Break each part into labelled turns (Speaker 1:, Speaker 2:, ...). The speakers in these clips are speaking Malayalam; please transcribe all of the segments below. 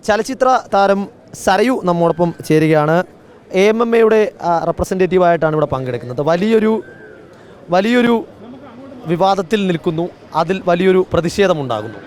Speaker 1: ചലച്ചിത്ര താരം സരയു നമ്മോടൊപ്പം ചേരുകയാണ്. AMMയുടെ റെപ്രസെൻറ്റേറ്റീവായിട്ടാണ് ഇവിടെ പങ്കെടുക്കുന്നത്. വലിയൊരു വിവാദത്തിൽ നിൽക്കുന്നു, അതിൽ വലിയൊരു പ്രതിഷേധമുണ്ടാകുന്നു.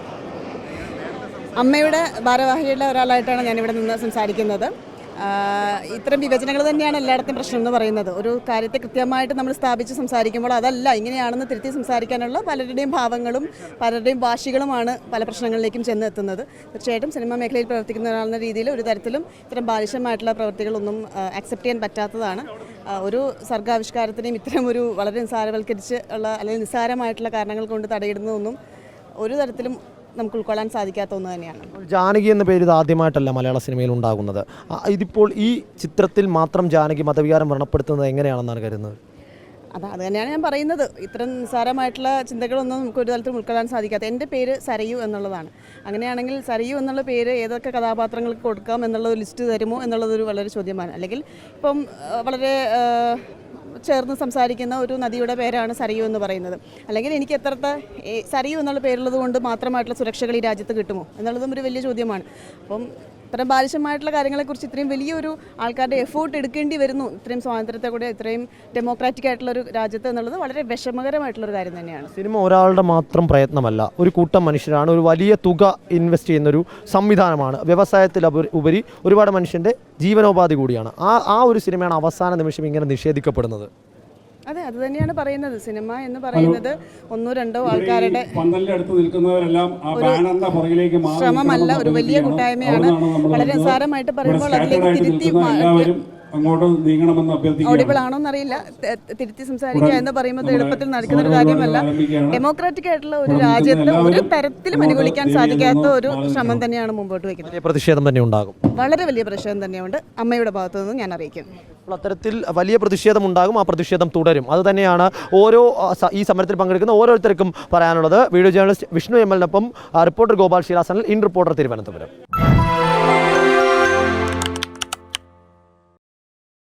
Speaker 2: അമ്മയുടെ ഭാരവാഹിയുടെ ഒരാളായിട്ടാണ് ഞാനിവിടെ നിന്ന് സംസാരിക്കുന്നത്. ഇത്തരം വിഭജനങ്ങൾ തന്നെയാണ് എല്ലായിടത്തും പ്രശ്നം എന്ന് പറയുന്നത്. ഒരു കാര്യത്തെ കൃത്യമായിട്ട് നമ്മൾ സ്ഥാപിച്ച് സംസാരിക്കുമ്പോൾ അതല്ല ഇങ്ങനെയാണെന്ന് തിരുത്തി സംസാരിക്കാനുള്ള പലരുടെയും ഭാവങ്ങളും പലരുടെയും ഭാഷകളുമാണ് പല പ്രശ്നങ്ങളിലേക്കും ചെന്ന് എത്തുന്നത്. തീർച്ചയായിട്ടും സിനിമാ മേഖലയിൽ പ്രവർത്തിക്കുന്ന ഒരാളെന്ന രീതിയിൽ ഒരു തരത്തിലും ഇത്തരം ബാലിശമായിട്ടുള്ള പ്രവൃത്തികളൊന്നും അക്സെപ്റ്റ് ചെയ്യാൻ പറ്റാത്തതാണ്. ഒരു സർഗാവിഷ്കാരത്തിനെയും ഇത്തരം ഒരു വളരെ നിസ്സാരവൽക്കരിച്ച് ഉള്ള അല്ലെങ്കിൽ നിസ്സാരമായിട്ടുള്ള കാരണങ്ങൾ കൊണ്ട് തടയിടുന്നതൊന്നും ഒരു തരത്തിലും നമുക്ക് ഉൾക്കൊള്ളാൻ സാധിക്കാത്ത ഒന്ന് തന്നെയാണ്.
Speaker 1: ജാനകി എന്ന പേര് ഇത് ആദ്യമായിട്ടല്ല മലയാള സിനിമയിൽ ഉണ്ടാകുന്നത്. ഇതിപ്പോൾ ഈ ചിത്രത്തിൽ മാത്രം ജാനകി മതവികാരം വ്രണപ്പെടുത്തുന്നത് എങ്ങനെയാണെന്നാണ് കരുതുന്നത്?
Speaker 2: അത് തന്നെയാണ് ഞാൻ പറയുന്നത്. ഇത്തരം നിസ്സാരമായിട്ടുള്ള ചിന്തകളൊന്നും നമുക്ക് ഒരു തരത്തിലും ഉൾക്കൊള്ളാൻ സാധിക്കാത്ത. എൻ്റെ പേര് സരയു എന്നുള്ളതാണ്. അങ്ങനെയാണെങ്കിൽ സരയു എന്നുള്ള പേര് ഏതൊക്കെ കഥാപാത്രങ്ങൾക്ക് കൊടുക്കാം എന്നുള്ള ലിസ്റ്റ് തരുമോ എന്നുള്ളതൊരു വളരെ ചോദ്യമാണ്. അല്ലെങ്കിൽ ഇപ്പം വളരെ ചേർന്ന് സംസാരിക്കുന്ന ഒരു നദിയുടെ പേരാണ് സരയു എന്ന് പറയുന്നത്. അല്ലെങ്കിൽ എനിക്ക് എത്രത്തെ സരയു എന്നുള്ള പേരുള്ളത് കൊണ്ട് മാത്രമായിട്ടുള്ള സുരക്ഷകൾ ഈ രാജ്യത്ത് കിട്ടുമോ എന്നുള്ളതും ഒരു വലിയ ചോദ്യമാണ്. അപ്പം ഇത്തരം ബാലിശമായിട്ടുള്ള കാര്യങ്ങളെക്കുറിച്ച് ഇത്രയും വലിയൊരു ആൾക്കാരുടെ എഫേർട്ട് എടുക്കേണ്ടി വരുന്നു ഇത്രയും സ്വാതന്ത്ര്യത്തെ കൂടെ ഇത്രയും ഡെമോക്രാറ്റിക് ആയിട്ടുള്ള ഒരു രാജ്യത്ത് എന്നുള്ളത് വളരെ വിഷമകരമായിട്ടുള്ളൊരു കാര്യം തന്നെയാണ്.
Speaker 1: സിനിമ ഒരാളുടെ മാത്രം പ്രയത്നമല്ല, ഒരു കൂട്ടം മനുഷ്യരാണ്, ഒരു വലിയ തുക ഇൻവെസ്റ്റ് ചെയ്യുന്നൊരു സംവിധാനമാണ്. വ്യവസായത്തിൽ ഉപരി ഒരുപാട് മനുഷ്യൻ്റെ ജീവനോപാധി കൂടിയാണ്. ആ ഒരു സിനിമയാണ് അവസാന നിമിഷം ഇങ്ങനെ നിഷേധിക്കപ്പെടുന്നത്.
Speaker 2: അതെ, അത് തന്നെയാണ് പറയുന്നത്. സിനിമ എന്ന് പറയുന്നത് ഒന്നോ രണ്ടോ ആൾക്കാരുടെ ശ്രമമല്ല, ഒരു വലിയ കൂട്ടായ്മയാണ്. വളരെ നിസ്സാരമായിട്ട് പറയുമ്പോൾ അതിലേക്ക് തിരുത്തി ഓഡിബിൾ ആണോ എന്നറിയില്ല, തിരുത്തി സംസാരിക്കുക എന്ന് പറയുമ്പോൾ എളുപ്പത്തിൽ നടക്കുന്ന ഒരു കാര്യമല്ല. ഡെമോക്രാറ്റിക് ആയിട്ടുള്ള ഒരു രാജ്യത്ത് ഒരു തരത്തിലും അനുകൂലിക്കാൻ സാധിക്കാത്ത ഒരു ശ്രമം തന്നെയാണ് മുമ്പോട്ട് വയ്ക്കുന്നത്.
Speaker 1: പ്രതിഷേധം തന്നെ ഉണ്ടാകും,
Speaker 2: വളരെ വലിയ പ്രതിഷേധം തന്നെയുണ്ട് അമ്മയുടെ ഭാഗത്തു നിന്ന് ഞാൻ അറിയിക്കും.
Speaker 1: അത്തരത്തിൽ വലിയ പ്രതിഷേധം ഉണ്ടാകും, ആ പ്രതിഷേധം തുടരും. അതുതന്നെയാണ് ഈ സമരത്തിൽ പങ്കെടുക്കുന്ന ഓരോരുത്തർക്കും പറയാനുള്ളത്. വീഡിയോ ജേർണലിസ്റ്റ് വിഷ്ണു ML-നൊപ്പം റിപ്പോർട്ടർ ഗോപാൽ ഷിരാസനൽ, ഇൻ റിപ്പോർട്ടർ തിരുവനന്തപുരം.